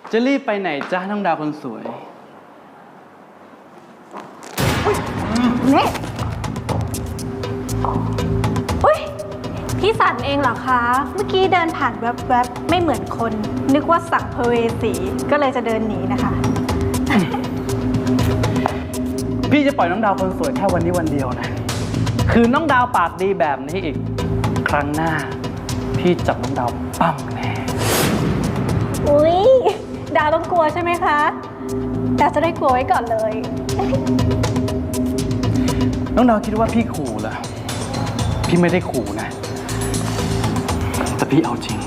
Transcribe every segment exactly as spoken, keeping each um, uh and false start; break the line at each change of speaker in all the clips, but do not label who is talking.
จะรีบไปไหนจ้าน้องดาวคนสวย
นี่อุ้ยพี่สันเองเหรอคะ เมื่อกี้เดินผ่านแวบๆไม่เหมือนคน นึกว่าสักเพเวสีก็เลยจะเดินหนีนะคะ
พี่จะปล่อยน้องดาวคนสวยแค่วันนี้วันเดียวนะคือน้องดาวปากดีแบบนี้อีกครั้งหน้าพี่จับน้องดาวปั้มแน่
อุ๊ยดาวต้องกลัวใช่ไหมคะดาวจะได้กลัวไว้ก่อนเลย
น้องดาวคิดว่าพี่ขู่เหรอพี่ไม่ได้ขู่นะแต่พี่เอาจริง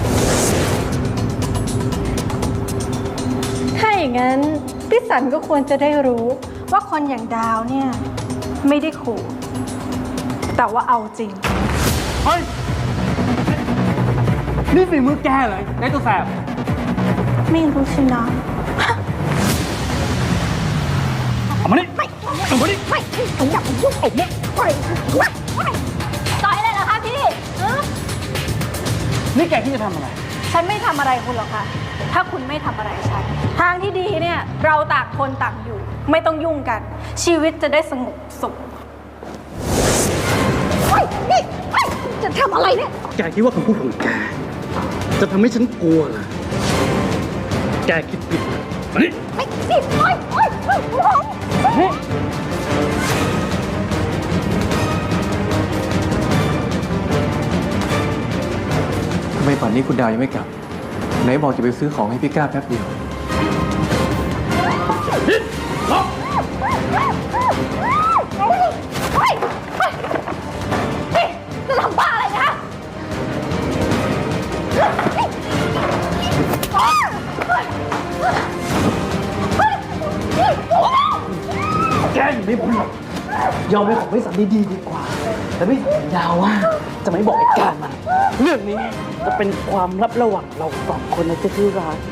ถ้าอย่างนั้นพี่สันก็ควรจะได้รู้ว่าคนอย่างดาวเนี่ยไม่ได้ขู่แต่ว่าเอาจริง
เฮ้ยนี่ฝีมือแกเลยไอ้ตัวแสบ
ไม่รู้สินะ
เอามานี่ไม่เอามานี่
ไม่ผมอยากยุ่งไอ้เนี่ยปล่อยไม่ต่อยเลยเหรอคะพี่
นี่แกที่จะทำอะไร
ฉันไม่ทำอะไรคุณหรอกค่ะถ้าคุณไม่ทำอะไรฉันทางที่ดีเนี่ยเราต่างคนต่างอยู่ไม่ต้องยุ่งกันชีวิตจะได้สงบสุขเฮ้ยนี่เฮ้ยจะทำอะไรเนี่ย
แกคิดว่าคำพูดของแกจะทำให้ฉันกลัวเหรอแกคิดผิดมานี่
ไม่สิโอ๊ยโอ๊ยโอ๊ยโอ๊ยนี่
ทำไมป่านนี้คุณดาวยังไม่กลับไหนบอกจะไปซื้อของให้พี่ก้าแป๊บเดียว
จะทำบ้าอะไรนะ
แกอยู่ไม่พ้นหรอกยอมให้ของไม่สันดีๆดีกว่าแต่ไม่สัญญาว่าจะไม่บอกไอ้การมันเรื่องนี้จะเป็นความลับระหว่างเราสองคนนะเจ้าที่รัก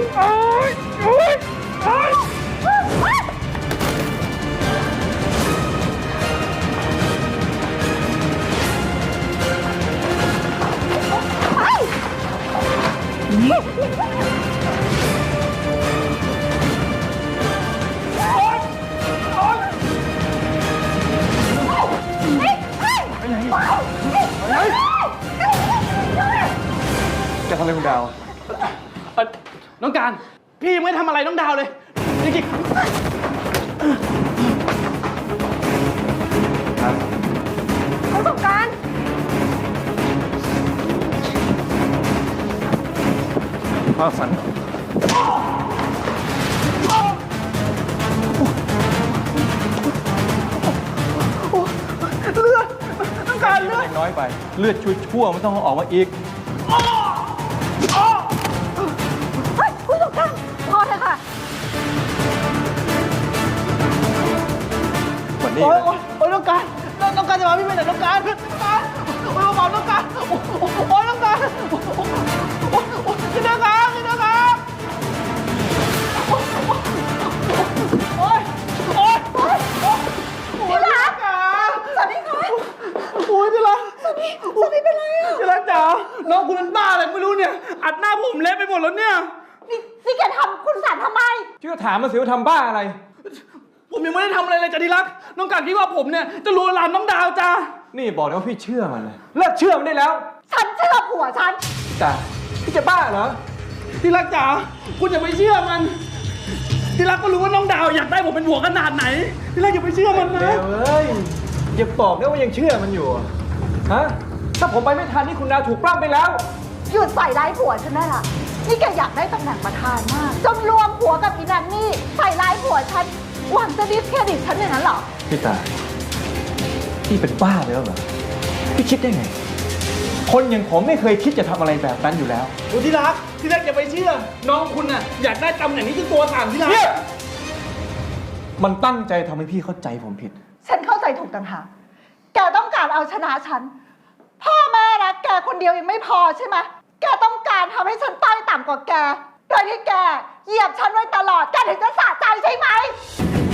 จะทำอะไรคุณดาว
น้องการพี่ยังไม่ทำอะไรน้องดาวเลยจริง
ครับ
ประสบการณ์
พ่อฝัน
เลือดน้องการเลือด
น้อยไปเลือดชั่วๆไม่ต้องออกมาอีก
เฮ้ยคุณสงการพอเถอะค่ะ
วันนี้
โอ้ยโอ้ยน้องการน้องการจะมาพี่ไปไหนน้องการน้องการโอ้ยบอกน้องการโอ้ยน้องการโอ้ยโอ้ยน้องการน้องการโอ้ยโอ้ยโอ้ยที่รักสามีคะโอ้ยที่รักสามีสามีเป็นไรอ่ะที่รักจ๋าน้องคุณเป็นบ้าอะไรไม่รู้เนี่ยอัดหน้าผมเละไปหมดแล้วเนี่ย
นี่นี่แกทำคุณสันทำไม
ที่ก็ถามมาสิว่าทำบ้าอะไร
ผมยังไม่ได้ทำอะไรเลยจ้ะที่รักน้องการคิดว่าผมเนี่ยจะลวนลามน้องดาวจ้า
นี่บอกนะว่าพี่เชื่อมันเลยเลิกเชื่อมันได้แล้ว
ฉันเชื่อผัวฉัน
พี่ตาพี่จะบ้าเหรอ
ที่รักจ๋าคุณอย่าไปเชื่อมันที่รักก็รู้ว่าน้องดาวอยากได้ผมเป็นผัวขนาดไหนที่รักอย่าไปเชื่อมันนะ
เดี๋ยวเอ้ยอย่าบอกนะว่ายังเชื่อมันอยู่ฮะถ้าผมไปไม่ทันนี่คุณดาวถูกปล้ำไปแล้ว
หยุดใส่ร้ายผัวฉันได้ละนี่แกอยากได้ตำแหน่งประธานมากจนรวมผัวกับอีนันนี่ใส่ร้ายผัวฉันหวังจะดิสเครดิตฉันอย่างนั้นเหรอ
พี่ตาพี่เป็นบ้าไปแล้วเหรอพี่คิดได้ไงคนอย่างผมไม่เคยคิดจะทำอะไรแบบนั้นอยู่แล้ว
โอ้ที่รักที่รักอย่าไปเชื่อน้องคุณน่ะอยากได้ตำแหน่งนี้จนตัวสั่นที่รัก
มันตั้งใจทำให้พี่เข้าใจผมผิด
ฉันเข้าใจถูกต่างหากแกต้องการเอาชนะฉันพ่อแม่รักแกคนเดียวยังไม่พอใช่ไหมแกต้องการทำให้ฉันต้อยต่ำกว่าแกโดยที่แกเหยียบฉันไว้ตลอดแกถึงจะสะใจใช่ไหม